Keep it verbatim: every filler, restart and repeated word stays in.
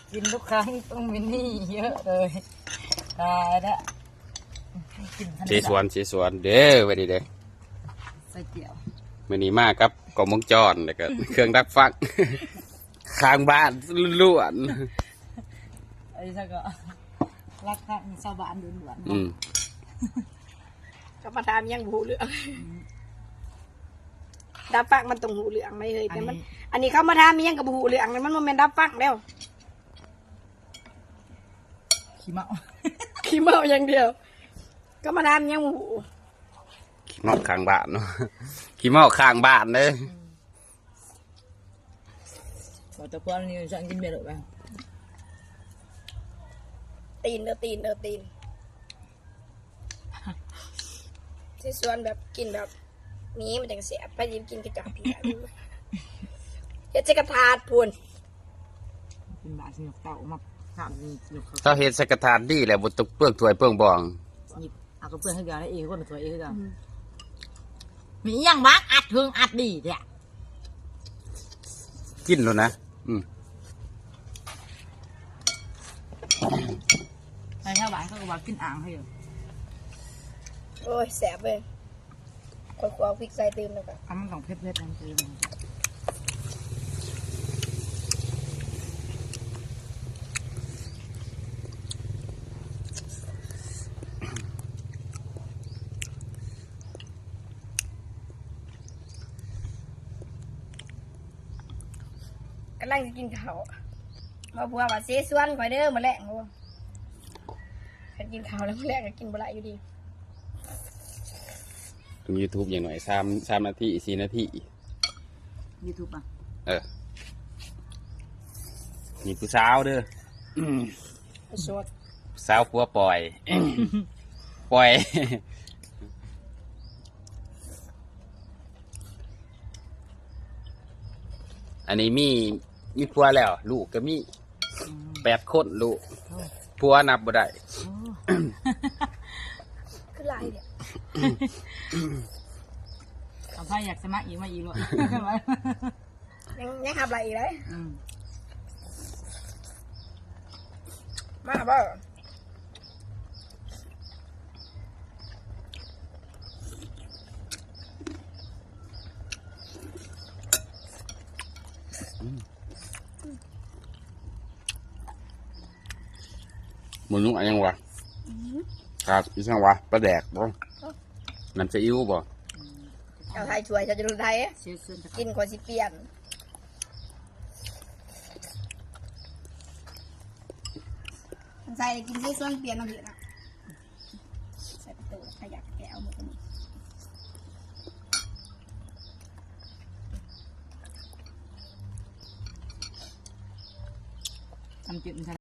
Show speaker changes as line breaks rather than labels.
กินทุกครั้งต้องมินี่เยอะเลยตายละ
เชสวนเชสวนเด้อไปดีเด้อ
ใส่เกี่ยว
มื่อนี้มาครับกล่องวงจรแล้วก็เครื่องดักฟังข้างบ้านล้วน
ไอ้สักก็รักข้างชาวบ้านด่วนๆ
อืม
ก็มาทำยังหูเหลืองดับฟังมันตรงหูเหลืองไม่เลยแต่มันอันนี้เขามาทำยังกับหูเหลืองมันมันเป็นดับฟังแล้ว
ขี้เมา
ขี้เมาอย่างเดียวก็มาทำยังหู
ขี้เมาข้างบ้านเนาะขี้เมาข้างบ้านเลย
บอกตะกอนนี่จะกินเบียร์หรือเปล่า
ตีนเด้อตีนเด้อตีนที่ส่วนแบบกินแบบนี้มันจังเสียไปยิ้มกินกระจอกพี่เฮ็ดจะกระทาดพูน
เป็นบาสนุกเต่ามาข้ามนี่สนุกเขา
ถ้าเฮ็ดใส่กระทานดีแหละบ่ตกเปลือกถ้วยเปลือกบอง
หยิบเอากระเพื่อนให้เดียวแล้วเองคนตัวเองให้เดียวมีอย่างบ้างอัดเทิงอัดดีเนี่ย
กินแล้วนะอืม
ใช่ชาวบ้านเขาก็ว่ากินอ่างให้อยู่
โอ้ยแสบเลยคอยกลัวพริกใส่ตื่นแล้วกัน
ทำมันของเพชรเพชรนั่นคือ
กำลังจะกินข้าวมาบัวว่าเสียส่วนคอยเด้อมาแลกบัวฉันกินข้าวแล้วมาแลกก็กินบ่ละอยู่ดี
ทำ YouTube อย่างหน่อยสามสามนาทีสี่นาที
YouTube อ่ะ
เออนี่ผู้สาวเด้อ
สด
สาวผัวปล่อยปล่อยอันนี้มีมีผัวแล้วลูกก็มีแปดคนลูกผัวนับบ่ได้
คือลายเนี่ย
เอาไพ่อยากสมัครอีกมาอีกเลย
ยังยังทำอะไรอีกเลยมาบ่
หมุนลุงอะไรยังวะครับอีสังวะปลาแดกบ่น้ำซีอิ๊วบ่
เอาไทยช่วยจะจะดูไทยกินคนสิเปลี่ยนใส่กินที่ส่วนเปลี่ยนเอาเถอะนะใส่ประตูขยับแกะเอาหมดนี้
ทำจิต